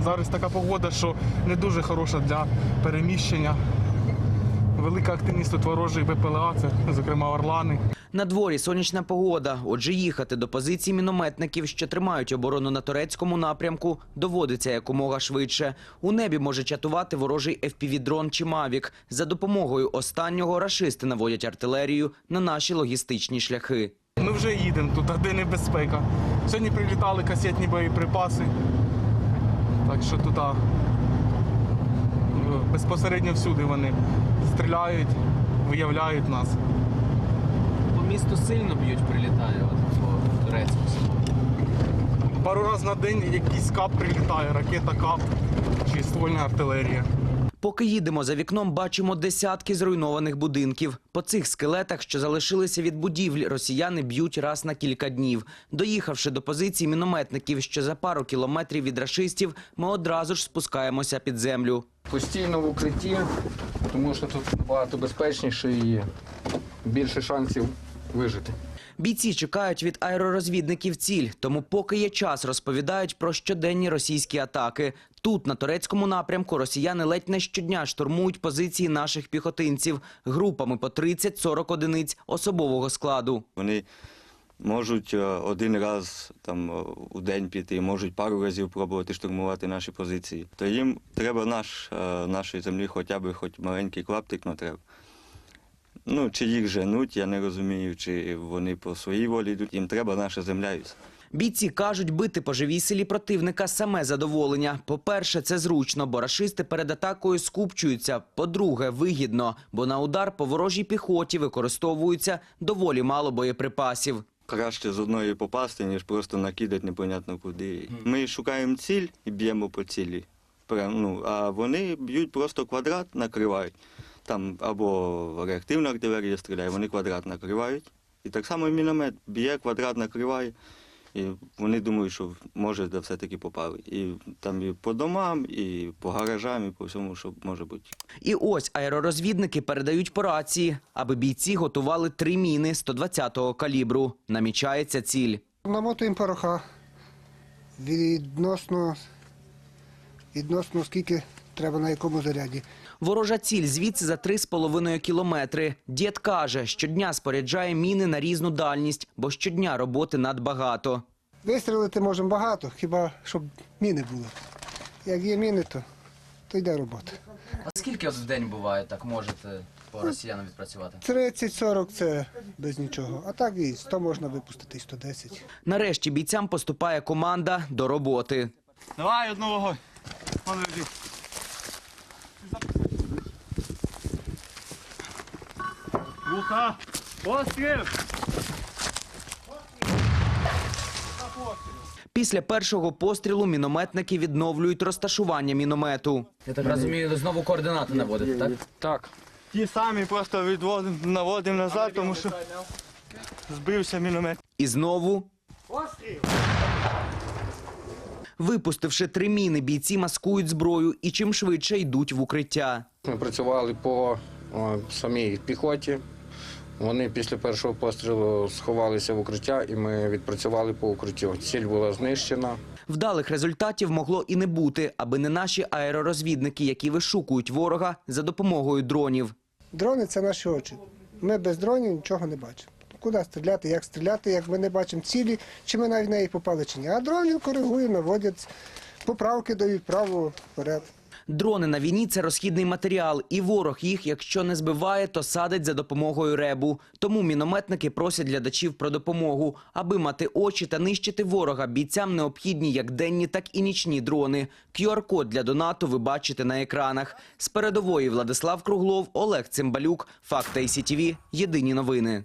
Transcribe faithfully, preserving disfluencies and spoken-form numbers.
Зараз така погода, що не дуже хороша для переміщення. Велика активність тут ворожих Б П Л А, це, зокрема, орлани. На дворі сонячна погода, отже їхати до позицій мінометників, що тримають оборону на турецькому напрямку, доводиться якомога швидше. У небі може чатувати ворожий еф пі ві-дрон чи «Мавік». За допомогою останнього рашисти наводять артилерію на наші логістичні шляхи. Ми вже їдемо тут, де небезпека. Сьогодні прилітали касетні боєприпаси, так що тут а, безпосередньо всюди вони стріляють, виявляють нас. По місту сильно б'ють, прилітає, от, по турецькому самому. Пару разів на день якийсь кап прилітає, ракета кап чи ствольна артилерія. Поки їдемо, за вікном бачимо десятки зруйнованих будинків. По цих скелетах, що залишилися від будівлі, росіяни б'ють раз на кілька днів. Доїхавши до позицій мінометників, що за пару кілометрів від рашистів, ми одразу ж спускаємося під землю. Постійно в укритті, тому що тут набагато безпечніше і більше шансів вижити. Бійці чекають від аеророзвідників ціль, тому поки є час, розповідають про щоденні російські атаки. Тут, на турецькому напрямку, росіяни ледь не щодня штурмують позиції наших піхотинців групами по тридцять-сорок одиниць особового складу. Вони можуть один раз там, у день піти, можуть пару разів пробувати штурмувати наші позиції. То їм треба наш, нашої землі хоча б хоч маленький клаптик, но треба. Ну, чи їх женуть, я не розумію, чи вони по своїй волі йдуть. Їм треба наша земля і все. Бійці кажуть, бити по живій силі противника – саме задоволення. По-перше, це зручно, бо рашисти перед атакою скупчуються. По-друге, вигідно, бо на удар по ворожій піхоті використовується доволі мало боєприпасів. Краще з одної попасти, ніж просто накидати непонятно куди. Ми шукаємо ціль і б'ємо по цілі. Прям, ну, а вони б'ють просто квадрат, накривають. Там або реактивна артилерія стріляє, вони квадрат накривають. І так само міномет б'є, квадрат накриває. І вони думають, що може да все-таки попали. І там і по домам, і по гаражам, і по всьому, що може бути. І ось аеророзвідники передають по рації, аби бійці готували три міни сто двадцятого калібру. Намічається ціль. Намотуємо пороха відносно, відносно скільки треба на якому заряді. Ворожа ціль звідси за три з половиною кілометри. Дід каже, щодня споряджає міни на різну дальність, бо щодня роботи надбагато. Вистрілити можемо багато, хіба щоб міни були. Як є міни, то, то йде робота. А скільки в день буває, так можете по росіянам відпрацювати? тридцять-сорок – це без нічого, а так і сто можна випустити, і сто десять. Нарешті бійцям поступає команда до роботи. Давай одну вогонь. Лука! Постріл! Після першого пострілу мінометники відновлюють розташування міномету. Я так розумію, знову координати наводите, так? Так. Ті самі просто відводимо, наводимо назад, тому що збився міномет. І знову... Випустивши три міни, бійці маскують зброю і чим швидше йдуть в укриття. Ми працювали по о, самій піхоті. Вони після першого пострілу сховалися в укриття і ми відпрацювали по укриттю. Ціль була знищена. Вдалих результатів могло і не бути, аби не наші аеророзвідники, які вишукують ворога за допомогою дронів. Дрони – це наші очі. Ми без дронів нічого не бачимо. Куди стріляти, як стріляти, як ми не бачимо цілі, чи ми навіть в неї попали чи ні. А дрони коригують, наводять, поправки дають право вперед. Дрони на війні – це розхідний матеріал, і ворог їх, якщо не збиває, то садить за допомогою ребу. Тому мінометники просять глядачів про допомогу. Аби мати очі та нищити ворога, бійцям необхідні як денні, так і нічні дрони. ку ар код для донату ви бачите на екранах. З передової Владислав Круглов, Олег Цимбалюк, Факт ай сі ті ві, Єдині новини.